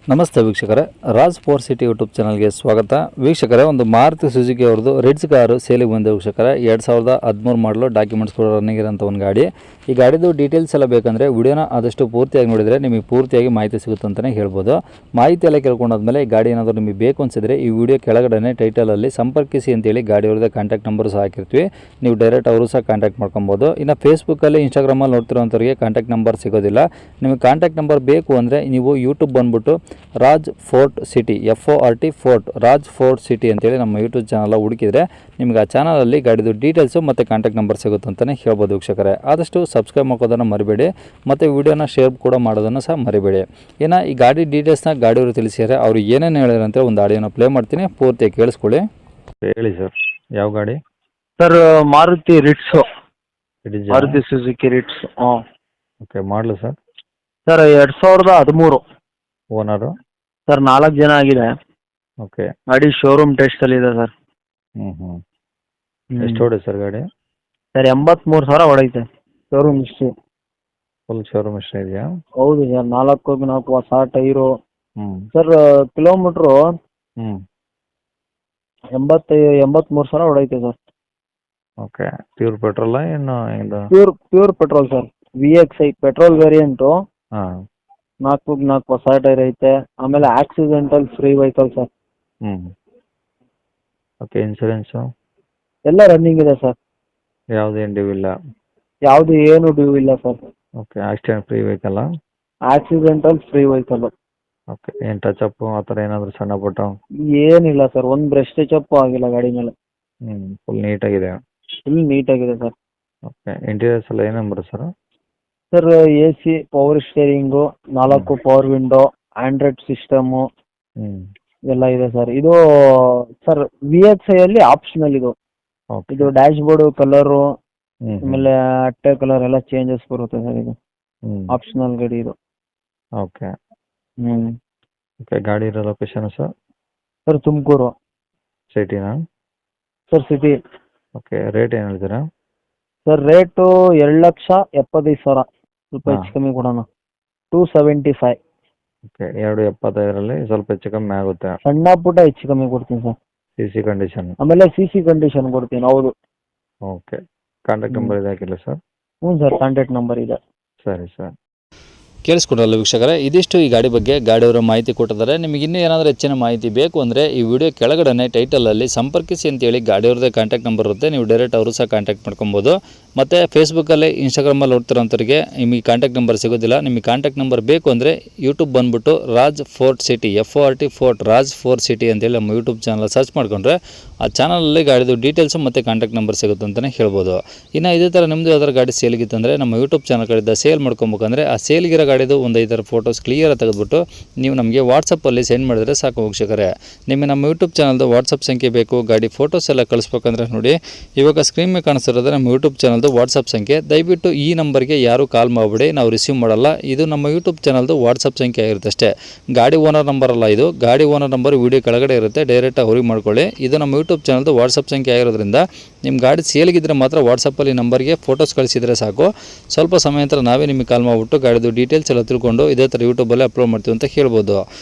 ನಮಸ್ತೆ ವೀಕ್ಷಕರೇ, Raj four city YouTube ಚಾನಲ್ಗೆ ಸ್ವಾಗತ. ವೀಕ್ಷಕರೇ, ಒಂದು ಮಾರುತಿ ಸುಜುಕಿ ಅವ್ರದ್ದು ರಿಡ್ಸ್ ಕಾರು ಸೇಲಿಗೆ ಬಂದ ವೀಕ್ಷಕರೇ. 2013 ಮಾಡಲು ಡಾಕ್ಯುಮೆಂಟ್ಸ್ ಕೂಡ ರನ್ನಿಂಗ್ ಇರೋಂಥ ಒಂದು ಗಾಡಿ. ಈ ಗಾಡಿದು ಡೀಟೇಲ್ಸ್ ಎಲ್ಲ ಬೇಕಂದರೆ ವಿಡಿಯೋನ ಆದಷ್ಟು ಪೂರ್ತಿಯಾಗಿ ನೋಡಿದರೆ ನಿಮಗೆ ಪೂರ್ತಿಯಾಗಿ ಮಾಹಿತಿ ಸಿಗುತ್ತೆ ಅಂತಲೇ ಹೇಳ್ಬೋದು. ಮಾಹಿತಿ ಎಲ್ಲ ಕೇಳ್ಕೊಂಡಾದ್ಮೇಲೆ ಈ ಗಾಡಿ ಏನಾದರೂ ನಿಮಗೆ ಬೇಕು ಅನಿಸಿದ್ರೆ ಈ ವಿಡಿಯೋ ಕೆಳಗಡೆ ಟೈಟಲಲ್ಲಿ ಸಂಪರ್ಕಿಸಿ ಅಂತೇಳಿ ಗಾಡಿಯವ್ರದ್ದು ಕಾಂಟ್ಯಾಕ್ಟ್ ನಂಬರ್ ಸಹ ಹಾಕಿರ್ತೀವಿ. ನೀವು ಡೈರೆಕ್ಟ್ ಅವರು ಸಹ ಕಾಂಟ್ಯಾಕ್ಟ್ ಮಾಡ್ಕೊಬೋದು. ಇನ್ನು ಫೇಸ್ಬುಕ್ಕಲ್ಲಿ ಇನ್ಸ್ಟಾಗ್ರಾಮಲ್ಲಿ ನೋಡ್ತಿರೋಂಥವ್ರಿಗೆ ಕಾಂಟ್ಯಾಕ್ಟ್ ನಂಬರ್ ಸಿಗೋದಿಲ್ಲ. ನಿಮಗೆ ಕಾಂಟ್ಯಾಕ್ಟ್ ನಂಬರ್ ಬೇಕು ಅಂದರೆ ನೀವು ಯೂಟ್ಯೂಬ್ ಬಂದುಬಿಟ್ಟು Raj fort city FORT fort Raj fort city ಅಂತೇಳಿ ನಮ್ಮ ಯೂಟ್ಯೂಬ್ ಚಾನಲ್ ಹುಡುಕಿದ್ರೆ ನಿಮಗೆ ಆ ಚಾನಲಲ್ಲಿ ಗಾಡಿದು ಡೀಟೇಲ್ಸು ಮತ್ತು ಕಾಂಟ್ಯಾಕ್ಟ್ ನಂಬರ್ ಸಿಗುತ್ತೆ ಅಂತಲೇ ಹೇಳ್ಬೋದು ವೀಕ್ಷಕರೇ. ಆದಷ್ಟು ಸಬ್ಸ್ಕ್ರೈಬ್ ಮಾಡೋದನ್ನು ಮರಿಬೇಡಿ ಮತ್ತು ವಿಡಿಯೋನ ಶೇರ್ ಕೂಡ ಮಾಡೋದನ್ನು ಸಹ ಮರಿಬೇಡಿ. ಇನ್ನು ಈ ಗಾಡಿ ಡೀಟೇಲ್ಸ್ನ ಗಾಡಿಯವರು ತಿಳಿಸಿದರೆ ಅವರು ಏನೇನು ಹೇಳಿರಂತೆ ಒಂದು ಆಡಿಯೋನ ಪ್ಲೇ ಮಾಡ್ತೀನಿ, ಪೂರ್ತಿ ಕೇಳಿಸ್ಕೊಳ್ಳಿ. ಹೇಳಿ ಸರ್, ಯಾವ ಗಾಡಿ? Sir Maruti Ritz, Maruti Suzuki Ritz. Okay, ಮಾಡಲು ಸರ್? ಸರ್ 2013. ಓನರು? ಸರ್ 4 ಜನ ಆಗಿದೆ. ಓಕೆ. ಗಾಡಿ ಶೋರೂಮ್ ಟೆಸ್ಟಲ್ಲಿ ಇದೆ ಸರ್. ಎಷ್ಟು ಹೊಡೆ ಸರ್ ಗಾಡಿ? ಸರ್ 83,000 ಹೊಡೈತೆ ಶೋರೂಮ್ ಇಷ್ಟು. ಫುಲ್ ಶೋರೂಮ್ ಇಷ್ಟ ಇದೆಯಾ? ಹೌದು ಸರ್, 4 ಹೊಸ ಟೈರು. ಸರ್ ಕಿಲೋಮೀಟ್ರು 83,000 ಹೊಡೈತೆ ಸರ್. ಓಕೆ. ಪ್ಯೂರ್ ಪೆಟ್ರೋಲ ಏನು ಇದು? Pure petrol sir. VXI petrol variant. ಹಾಂ. 4 ಹೊಸ ಟೈರ್ ಐತೆ. ಆಮೇಲೆ accidental free vehicle sir. Okay. Insurance ಎಲ್ಲ ರನ್ನಿಂಗ್ ಇದೆ ಸರ್. ಯಾವುದು ಏನು ಡ್ಯೂ ಇಲ್ಲ? ಯಾವುದು ಏನು ಡ್ಯೂ ಇಲ್ಲ ಸರ್. ಓಕೆ. ಆಕ್ಸಿಡೆಂಟ್ ಫ್ರೀ ವೆಹಿಕಲ್ಲ? Accidental free vehicle. ಓಕೆ. ಏನು ಟಚಪ್ಪು ಆ ಥರ ಏನಾದರೂ ಸಣ್ಣ ಪುಟ್ಟ? ಏನಿಲ್ಲ ಸರ್, ಒಂದು ಬ್ರಷ್ ಟಚಪ್ ಆಗಿಲ್ಲ ಗಾಡಿ ಮೇಲೆ. ಫುಲ್ ನೀಟಾಗಿದೆ? ಫುಲ್ ನೀಟಾಗಿದೆ ಸರ್. ಓಕೆ. ಇಂಟೀರಿಯರ್ಸ್ ಎಲ್ಲ ಏನೇನು ಬರುತ್ತೆ sir? Sir AC, power steering, 4 power window, Android system ಎಲ್ಲ ಇದೆ ಸರ್. ಇದು ಸರ್ VXI ಅಲ್ಲಿ ಆಪ್ಷನಲ್ ಇದು. ಇದು ಡ್ಯಾಶ್ ಬೋರ್ಡ್ ಕಲರು ಆಮೇಲೆ ಅಟ್ಟೆ ಕಲರ್ ಎಲ್ಲ ಚೇಂಜಸ್ ಬರುತ್ತೆ ಸರ್. ಇದು ಆಪ್ಷನಲ್ ಗಾಡಿ ಇದು. ಓಕೆ. ಓಕೆ. ಗಾಡಿ ಇರೋ ಲೊಕೇಶನ್ ಸರ್? ಸರ್ ತುಮಕೂರು ಸಿಟಿನಾ? Sir city. ಓಕೆ. ರೇಟ್ ಏನು ಹೇಳ್ತೀರಾ? ಸರ್ ರೇಟು 2,75,000, ಸ್ವಲ್ಪ ಹೆಚ್ಚು ಕಮ್ಮಿ ಕೊಡೋಣ. 275. ಓಕೆ. 2,75,000ರಲ್ಲಿ ಸ್ವಲ್ಪ ಹೆಚ್ಚು ಕಮ್ಮಿ ಆಗುತ್ತೆ. ಸಣ್ಣ ಪುಟ್ಟ ಹೆಚ್ಚು ಕಮ್ಮಿ ಕೊಡ್ತೀನಿ ಸರ್. CC condition? ಆಮೇಲೆ CC ಕಂಡೀಷನ್ ಕೊಡ್ತೀನಿ. ಹೌದು. ಓಕೆ. ಕಾಂಟ್ಯಾಕ್ಟ್ ನಂಬರ್ ಇದೆ ಹಾಕಿಲ್ಲ ಸರ್? ಹ್ಞೂ ಸರ್, ಕಾಂಟ್ಯಾಕ್ಟ್ ನಂಬರ್ ಇದೆ. ಸರಿ ಸರ್. ಕೇಳಿಸ್ಕೊಡಲ್ಲ ವೀಕ್ಷಕರೇ, ಇದಿಷ್ಟು ಈ ಗಾಡಿ ಬಗ್ಗೆ ಗಾಡಿಯವರ ಮಾಹಿತಿ ಕೊಟ್ಟಿದ್ದಾರೆ. ನಿಮಗೆ ಇನ್ನೂ ಏನಾದರೂ ಹೆಚ್ಚಿನ ಮಾಹಿತಿ ಬೇಕು ಅಂದರೆ ಈ ವಿಡಿಯೋ ಕೆಳಗಡೆ ಟೈಟಲಲ್ಲಿ ಸಂಪರ್ಕಿಸಿ ಅಂತೇಳಿ ಗಾಡಿಯವ್ರದ್ದೇ ಕಾಂಟ್ಯಾಕ್ಟ್ ನಂಬರ್ ಇರುತ್ತೆ. ನೀವು ಡೈರೆಕ್ಟ್ ಅವರು ಸಹ ಕಾಂಟ್ಯಾಕ್ಟ್ ಮಾಡ್ಕೊಬೋದು. ಮತ್ತು ಫೇಸ್ಬುಕ್ಕಲ್ಲಿ ಇನ್ಸ್ಟಾಗ್ರಾಮಲ್ಲಿ ನೋಡ್ತಿರೋಂಥವ್ರಿಗೆ ನಿಮಗೆ ಕಾಂಟ್ಯಾಕ್ಟ್ ನಂಬರ್ ಸಿಗೋದಿಲ್ಲ. ನಿಮಗೆ ಕಾಂಟ್ಯಾಕ್ಟ್ ನಂಬರ್ ಬೇಕು ಅಂದರೆ ಯೂಟ್ಯೂಬ್ ಬಂದುಬಿಟ್ಟು Raj fort city FORT fort Raj fort city ಅಂತೇಳಿ ನಮ್ಮ ಯೂಟ್ಯೂಬ್ ಚಾನಲ್ ಸರ್ಚ್ ಮಾಡಿಕೊಂಡ್ರೆ ಆ ಚಾನಲಲ್ಲಿ ಗಾಡಿದು ಡೀಟೇಲ್ಸು ಮತ್ತು ಕಾಂಟ್ಯಾಕ್ಟ್ ನಂಬರ್ ಸಿಗುತ್ತೆ ಅಂತಲೇ ಹೇಳ್ಬೋದು. ಇನ್ನು ಇದೇ ಥರ ನಿಮ್ಮದು ಯಾವ್ದಾರು ಗಾಡಿ ಸೇಲಿಗಿತ್ತಂದರೆ ನಮ್ಮ ಯೂಟ್ಯೂಬ್ ಚಾನಲ್ ಕಡೆಯಿಂದ ಸೇಲ್ ಮಾಡ್ಕೊಬೇಕಂದ್ರೆ ಆ ಸೇಲ್ಗಿರೋ ಗಾಡಿದು ಒಂದು 5 ಫೋಟೋಸ್ ಕ್ಲಿಯರಾಗಿ ತೆಗೆದುಬಿಟ್ಟು ನೀವು ನಮಗೆ ವಾಟ್ಸಪ್ಪಲ್ಲಿ ಸೆಂಡ್ ಮಾಡಿದರೆ ಸಾಕು ವೀಕ್ಷಕರೇ. ನಿಮಗೆ ನಮ್ಮ ಯೂಟ್ಯೂಬ್ ಚಾನಲ್ದು ವಾಟ್ಸಪ್ ಸಂಖ್ಯೆ ಬೇಕು, ಗಾಡಿ ಫೋಟೋಸ್ ಎಲ್ಲ ಕಳಿಸ್ಬೇಕಂದ್ರೆ ನೋಡಿ ಇವಾಗ ಸ್ಕ್ರೀನ್ ಮೇಲೆ ಕಾಣಿಸ್ತಿರೋದು ನಮ್ಮ ಯೂಟ್ಯೂಬ್ ಚಾನಲ್ದು ವಾಟ್ಸಪ್ ಸಂಖ್ಯೆ. ದಯವಿಟ್ಟು ಈ ನಂಬರ್ಗೆ ಯಾರು ಕಾಲ್ ಮಾಡಿಬಿಡಿ, ನಾವು ರಿಸೀವ್ ಮಾಡಲ್ಲ. ಇದು ನಮ್ಮ ಯೂಟ್ಯೂಬ್ ಚಾನಲ್ದು ವಾಟ್ಸಪ್ ಸಂಖ್ಯೆ ಆಗಿರುತ್ತೆ ಅಷ್ಟೇ. ಗಾಡಿ ಓನರ್ ನಂಬರ್ ಅಲ್ಲ ಇದು. ಗಾಡಿ ಓನರ್ ನಂಬರ್ ವಿಡಿಯೋ ಕೆಳಗಡೆ ಇರುತ್ತೆ, ಡೈರೆಕ್ಟಾಗಿ ಅವ್ರಿಗೆ ಮಾಡ್ಕೊಳ್ಳಿ. ಇದು ನಮ್ಮ ಯೂಟ್ಯೂಬ್ ಚಾನಲ್ದು ವಾಟ್ಸಪ್ ಸಂಖ್ಯೆ ಆಗಿರೋದ್ರಿಂದ ನಿಮ್ಮ ಗಾಡಿ ಸೇಲ್ಗಿದ್ರೆ ಮಾತ್ರ ವಾಟ್ಸಪ್ಪಲ್ಲಿ ನಂಬರ್ಗೆ ಫೋಟೋಸ್ ಕಳಿಸಿದರೆ ಸಾಕು. ಸ್ವಲ್ಪ ಸಮಯ ನಂತರ ನಾವೇ ನಿಮಗೆ ಕಾಲ್ ಮಾಡಿಬಿಟ್ಟು ಗಾಡಿದು ಡೀಟೇಲ್ಸ್ ಎಲ್ಲ ತಿಳ್ಕೊಂಡು ಇದೇ ಥರ ಯೂಟ್ಯೂಬಲ್ಲಿ ಅಪ್ಲೋಡ್ ಮಾಡ್ತೀವಿ ಅಂತ ಹೇಳ್ಬೋದು.